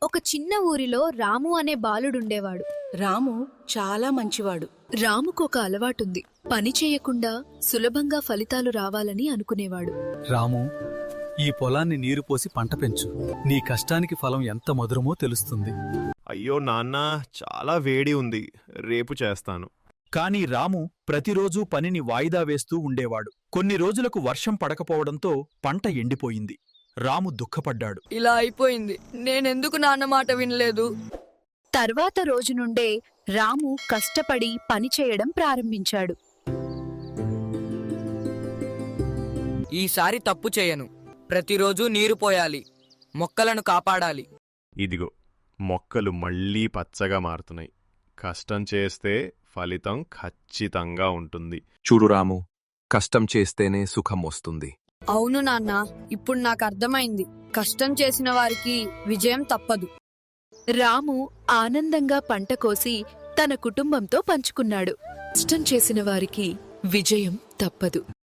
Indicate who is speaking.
Speaker 1: ఒక చిన్న ఊరిలో రాము అనే బాలుడుండేవాడు.
Speaker 2: రాము చాలా మంచివాడు.
Speaker 1: రాముకొక అలవాటుంది. పని చేయకుండా సులభంగా ఫలితాలు రావాలని అనుకునేవాడు.
Speaker 3: రాము, ఈ పొలాన్ని నీరు పోసి పంట పెంచు. నీ కష్టానికి ఫలం ఎంత మధురమో తెలుస్తుంది.
Speaker 4: అయ్యో నాన్నా, చాలా వేడి ఉంది, రేపు చేస్తాను.
Speaker 5: కాని రాము ప్రతిరోజూ పనిని వాయిదా వేస్తూ ఉండేవాడు. కొన్ని రోజులకు వర్షం పడకపోవడంతో పంట ఎండిపోయింది. రాము దుఃఖపడ్డాడు.
Speaker 6: ఇలా అయిపోయింది, నేనెందుకు నాన్న మాట వినలేదు.
Speaker 1: తర్వాత రోజు నుండే రాము కష్టపడి పనిచేయడం ప్రారంభించాడు.
Speaker 6: ఈసారి తప్పు చేయను. ప్రతిరోజూ నీరు పోయాలి, మొక్కలను కాపాడాలి.
Speaker 4: ఇదిగో, మొక్కలు మళ్ళీ పచ్చగా మారుతున్నాయి. కష్టం చేస్తే ఫలితం ఖచ్చితంగా ఉంటుంది.
Speaker 7: చూడు రాము, కష్టం చేస్తేనే సుఖం వస్తుంది.
Speaker 6: అవును నాన్న, ఇప్పుడు నాకు అర్థమైంది. కష్టం చేసిన వారికి విజయం తప్పదు.
Speaker 1: రాము ఆనందంగా పంట కోసి తన కుటుంబంతో పంచుకున్నాడు. కష్టం చేసిన వారికి విజయం తప్పదు.